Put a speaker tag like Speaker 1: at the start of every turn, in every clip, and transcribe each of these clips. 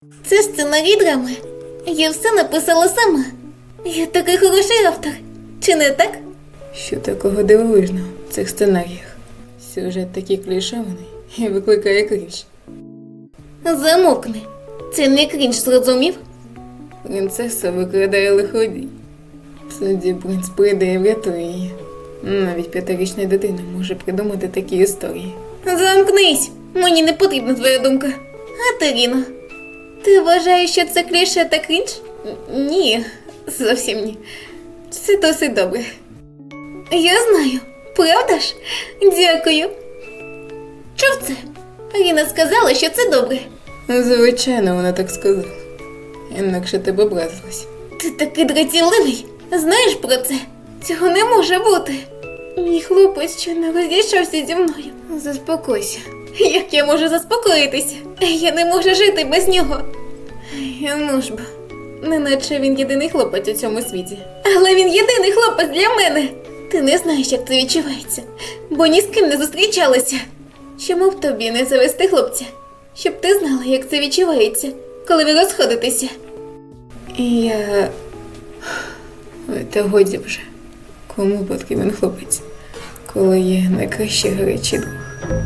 Speaker 1: Це сценарій драми. Я все написала сама. Я такий хороший автор. Чи не так?
Speaker 2: Що такого дивовижного в цих сценаріях? Сюжет такий клішований і викликає крінж.
Speaker 1: Замовкни. Це не крінж, зрозумів?
Speaker 2: Принцеса викрадає лиходій. Тоді принц прийде і врятує її. Навіть 5-річна дитина може придумати такі історії.
Speaker 1: Замкнись! Мені не потрібна твоя думка. Катеріно, ти вважаєш, що це кліше та крінж? Ні, зовсім ні. Це досить добре. Я знаю, правда ж? Дякую. Чув це? Аліна сказала, що це добре.
Speaker 2: Звичайно, вона так сказала. Інакше ти б образилась.
Speaker 1: Ти такий дратівливий. Знаєш про це? Цього не може бути. Мій хлопець щойно розійшовся зі мною. Заспокойся. Як я можу заспокоїтися? Я не можу жити без нього. Ну ж бо, неначе він єдиний хлопець у цьому світі. Але він єдиний хлопець для мене. Ти не знаєш, як це відчувається, бо ні з ким не зустрічалася. Чому б тобі не завести хлопця? Щоб ти знала, як це відчувається, коли ви розходитеся.
Speaker 2: Я... Ой, та годі вже. Кому потрібен хлопець, коли є найкращий гарячий друг?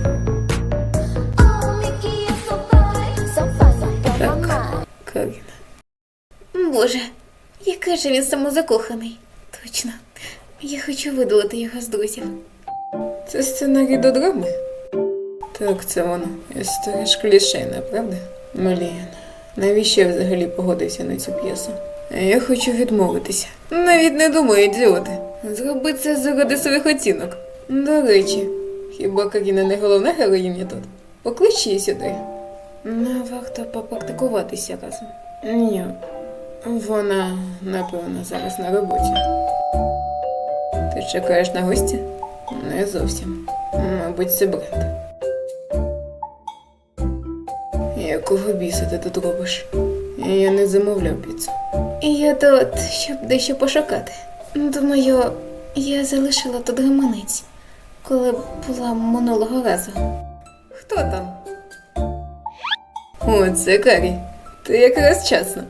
Speaker 2: Так, Каріна.
Speaker 1: Боже, який же він самозакоханий. Точно. Я хочу видалити його з друзів.
Speaker 2: Це сценарій до драми? Так, це воно. Історія ж клішейна, правда? Блін, навіщо я взагалі погодився на цю п'єсу? Я хочу відмовитися. Навіть не думаю, ідіоти. Зроби це заради своїх оцінок. До речі, хіба Каріна не головна героїня тут? Поклич її сюди. Не варто попрактикуватися разом. Ні, вона, напевно, зараз на роботі. Ти чекаєш на гості? Не зовсім. Мабуть, це бренд. Якого біса ти тут робиш? Я не замовляв піцу.
Speaker 1: Я тут, щоб дещо пошукати. Думаю, я залишила тут гаманець, коли була минулого разу.
Speaker 2: Хто там? О, це Карі. Ти якраз вчасно.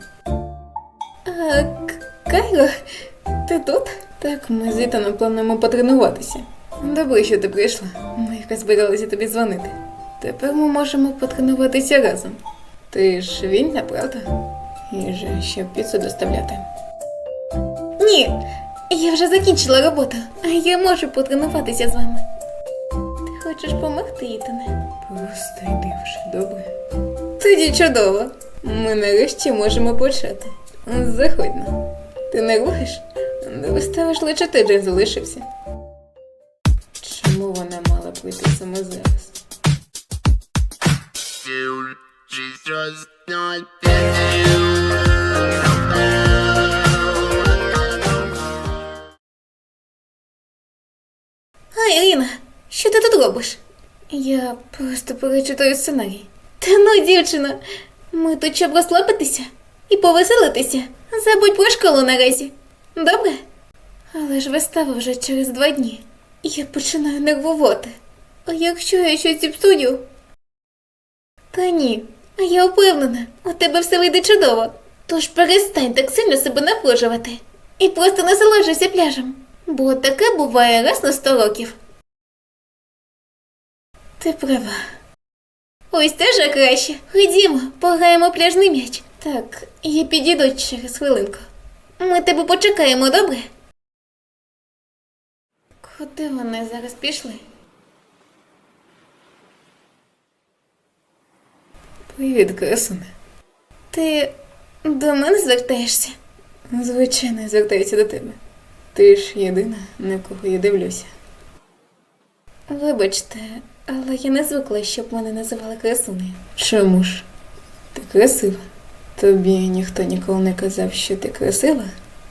Speaker 1: Кайро, ти тут?
Speaker 2: Так, ми з Ітаном плануємо потренуватися. Добре, що ти прийшла. Ми якраз збиралися тобі дзвонити. Тепер ми можемо потренуватися разом. Ти ж вільна, правда? І же, щоб піцу доставляти.
Speaker 1: Ні, я вже закінчила роботу, а я можу потренуватися з вами. Ти хочеш помогти, Ітане?
Speaker 2: Просто йди вже, добре?
Speaker 1: Тоді чудово.
Speaker 2: Ми нарешті можемо почати. Заходь на. Ти не рухаєш? Не виставиш лише ти, Джей залишився. Чому вона мала прийти саме зараз?
Speaker 3: She's just not
Speaker 1: Ірина, що ти тут робиш?
Speaker 2: Я просто перечитаю сценарій.
Speaker 1: Та ну, дівчино, ми тут щоб розслабитися і повеселитися. Забудь про школу наразі. Добре? Але ж вистава вже через 2 дні. Я починаю нервувати. А якщо я щось зіпсую? Та ні, а я впевнена, у тебе все вийде чудово. Тож перестань так сильно себе напружувати. І просто насолоджуйся пляжем. Бо таке буває раз на 100 років. Ти права. Ось це вже краще. Ходімо, пограємо в пляжний м'яч. Так, я підійду через хвилинку. Ми тебе почекаємо, добре? Куди вони зараз пішли?
Speaker 2: Привіт, красуне.
Speaker 1: Ти до мене звертаєшся?
Speaker 2: Звичайно, я звертаюся до тебе. Ти ж єдина, на кого я дивлюся.
Speaker 1: Вибачте, але я не звикла, щоб мене називали красунею.
Speaker 2: Чому ж? Ти красива. Тобі ніхто ніколи не казав, що ти красива?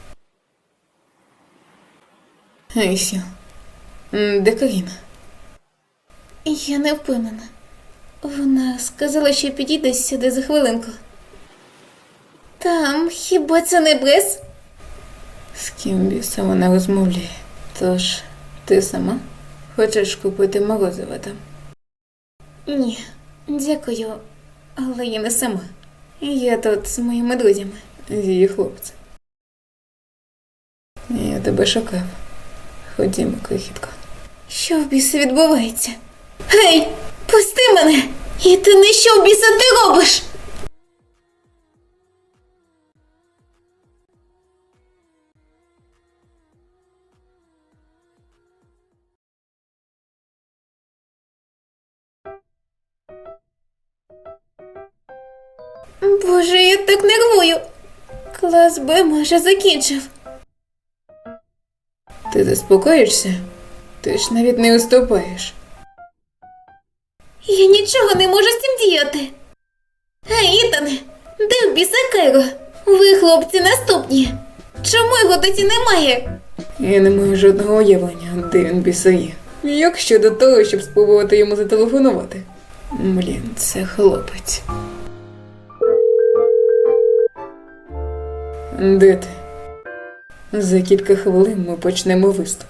Speaker 2: Айсю, де Каріна?
Speaker 1: Я не впевнена. Вона сказала, що підійде сюди за хвилинку. Там, хіба це не Брес?
Speaker 2: З ким біса вона розмовляє? Тож, ти сама? Хочеш купити морозиво там?
Speaker 1: Ні, дякую, але я не сама. Я тут з моїми друзями.
Speaker 2: З її хлопцем. Я тебе шукав. Ходімо, крихітко.
Speaker 1: Що в біса відбувається? Гей, пусти мене! І ти не що в біса ти робиш? Боже, я так нервую. Клас Б майже закінчив.
Speaker 2: Ти заспокоїшся? Ти ж навіть не уступаєш.
Speaker 1: Я нічого не можу з цим діяти. Гей, Ітане, де в біса Кайро? Ви, хлопці, наступні. Чому його досі немає?
Speaker 2: Я не маю жодного уявлення, де він біса є. Як щодо того, щоб спробувати йому зателефонувати? Блін, це хлопець. Де ти? За кілька хвилин ми почнемо виступ.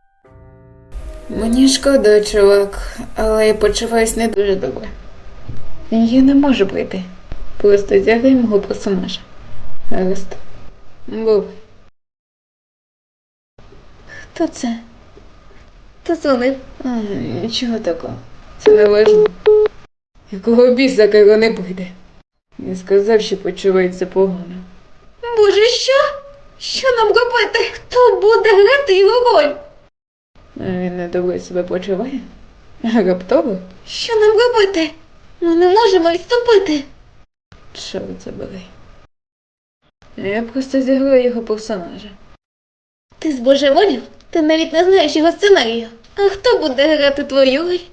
Speaker 2: Мені шкода, чувак, але я почуваюсь не дуже добре. Я не можу прийти. Просто зіграй мого персонажа. Гаразд. Бувай.
Speaker 1: Хто це? Хто дзвонив?
Speaker 2: Нічого такого. Це не важливо. Якого біса Кайро не прийде? Я сказав, що почувається погано.
Speaker 1: Боже, що? Що нам робити? Хто буде грати його роль?
Speaker 2: Він недобре себе почуває? Раптово?
Speaker 1: Що нам робити? Ми не можемо відступити.
Speaker 2: Чорт забирай. Я просто зіграю його персонажа.
Speaker 1: Ти збожеволів? Ти навіть не знаєш його сценарію. А хто буде грати твою роль?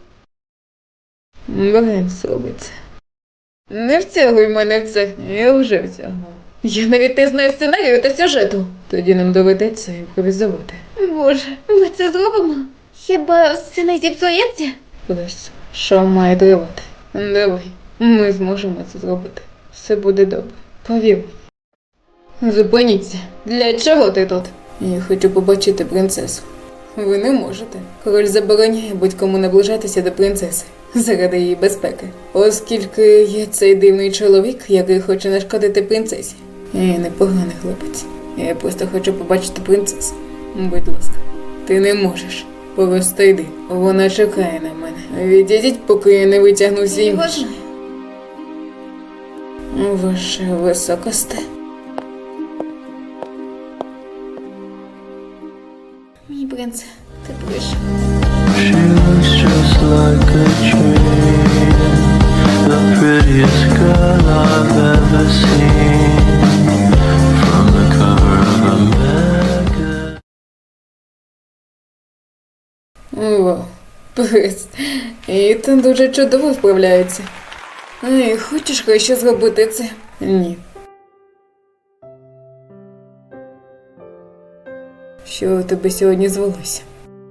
Speaker 2: Брен зробить це. Не втягуй мене в це. Я вже втягнув. Я навіть не знаю сценарію та сюжету. Тоді нам доведеться імпровізувати.
Speaker 1: Боже, ми це зробимо? Хіба все не зіпсується?
Speaker 2: Просто що має тривати? Давай, ми зможемо це зробити. Все буде добре. Повір мені. Зупиніться. Для чого ти тут? Я хочу побачити принцесу. Ви не можете. Король забороняє будь-кому наближатися до принцеси заради її безпеки. Оскільки є цей дивний чоловік, який хоче нашкодити принцесі. Я непоганий хлопець. Я просто хочу побачити принцесу. Будь ласка, ти не можеш. Просто йди. Вона чекає на мене. Відійдіть, поки я не витягну свій
Speaker 1: Його
Speaker 2: меч.
Speaker 1: знаю.
Speaker 2: Ваше високосте.
Speaker 1: Мій принце, ти прийшов.
Speaker 4: She looks just like a dream, the prettiest girl I've ever seen. From the cover of a magazine.
Speaker 2: Вау, пес. Ітан дуже чудово вправляється. Ей, хочеш краще зробити це? Ні. Що у тебе сьогодні звелося?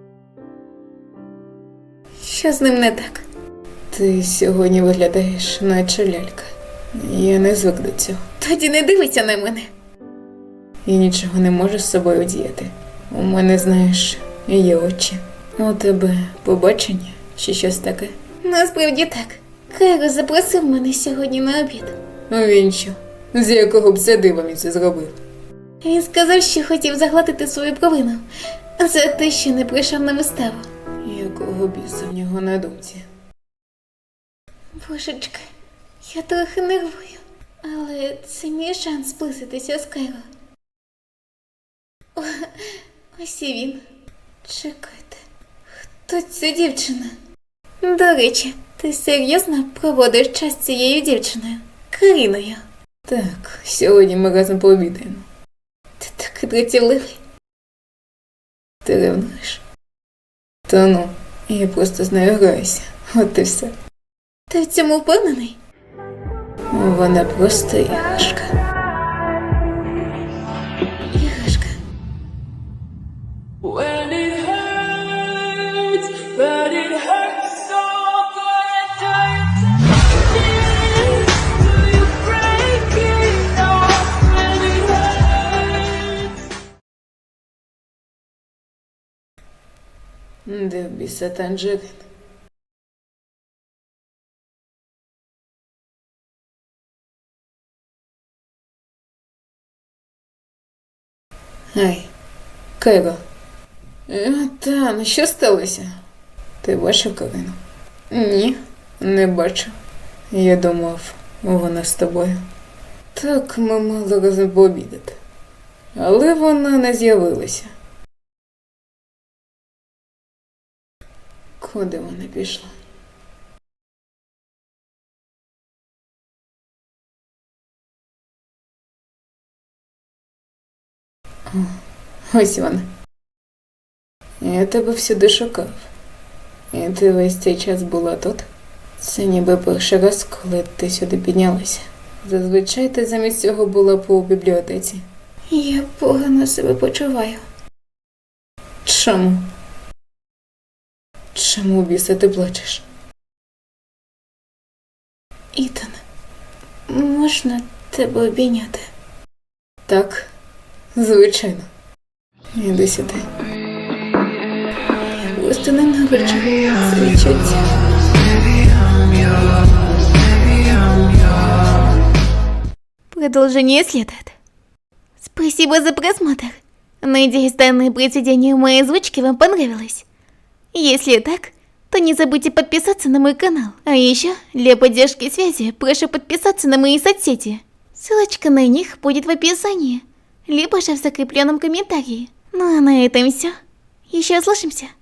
Speaker 1: Що з ним не так?
Speaker 2: Ти сьогодні виглядаєш, наче лялька. Я не звик до цього.
Speaker 1: Тоді не дивися на мене.
Speaker 2: І нічого не можу з собою діяти. У мене, знаєш, є очі. У тебе побачення чи щось таке?
Speaker 1: Насправді так. Кайро запросив мене сьогодні на обід.
Speaker 2: Він що? З якого б це дива він це зробив?
Speaker 1: Він сказав, що хотів загладити свою провину за те, що не прийшов на виставу.
Speaker 2: Якого біса в нього на думці?
Speaker 1: Божечки, я трохи нервую, але це мій шанс зблизитися з Кайро. О, ось і він. Чекайте, хто ця дівчина? До речі, ти серйозно проводиш час з цією дівчиною? Каріною?
Speaker 2: Так, сьогодні ми разом пообідаємо.
Speaker 1: Ти такий дратівливий.
Speaker 2: Ти ревнуєш? Та ну, я просто з нею граюся. От і все.
Speaker 1: Ти в цьому впевнений?
Speaker 2: Вона просто іграшка.
Speaker 1: Іграшка.
Speaker 5: When it hurts, but it hurts so good, do you break it off when it hurts?
Speaker 2: Де в біса Танжерин? Ай, Кайро. Та, що сталося? Ти бачив Карину? Ні, не бачив. Я думав, вона з тобою. Так, ми мали разом пообідати. Але вона не з'явилася. Куди вона пішла? О, ось вона. Я тебе всюди шукав. І ти весь цей час була тут? Це ніби перший раз, коли ти сюди піднялася. Зазвичай ти замість цього була по бібліотеці.
Speaker 1: Я погано себе почуваю.
Speaker 2: Чому? Чому, біса, ти плачеш?
Speaker 1: Ітан, можна тебе обійняти?
Speaker 2: Так, звичайно. Іди сюди.
Speaker 1: Я просто ненавиджу це відчуття. Продолжение следует. Спасибо за просмотр. Надеюсь, данное произведение моей озвучки вам понравилось. Если так, то не забудьте подписаться на мой канал. А еще, для поддержки связи, прошу подписаться на мои соцсети. Ссылочка на них будет в описании, либо же в закрепленном комментарии. Ну а на этом все. Еще услышимся.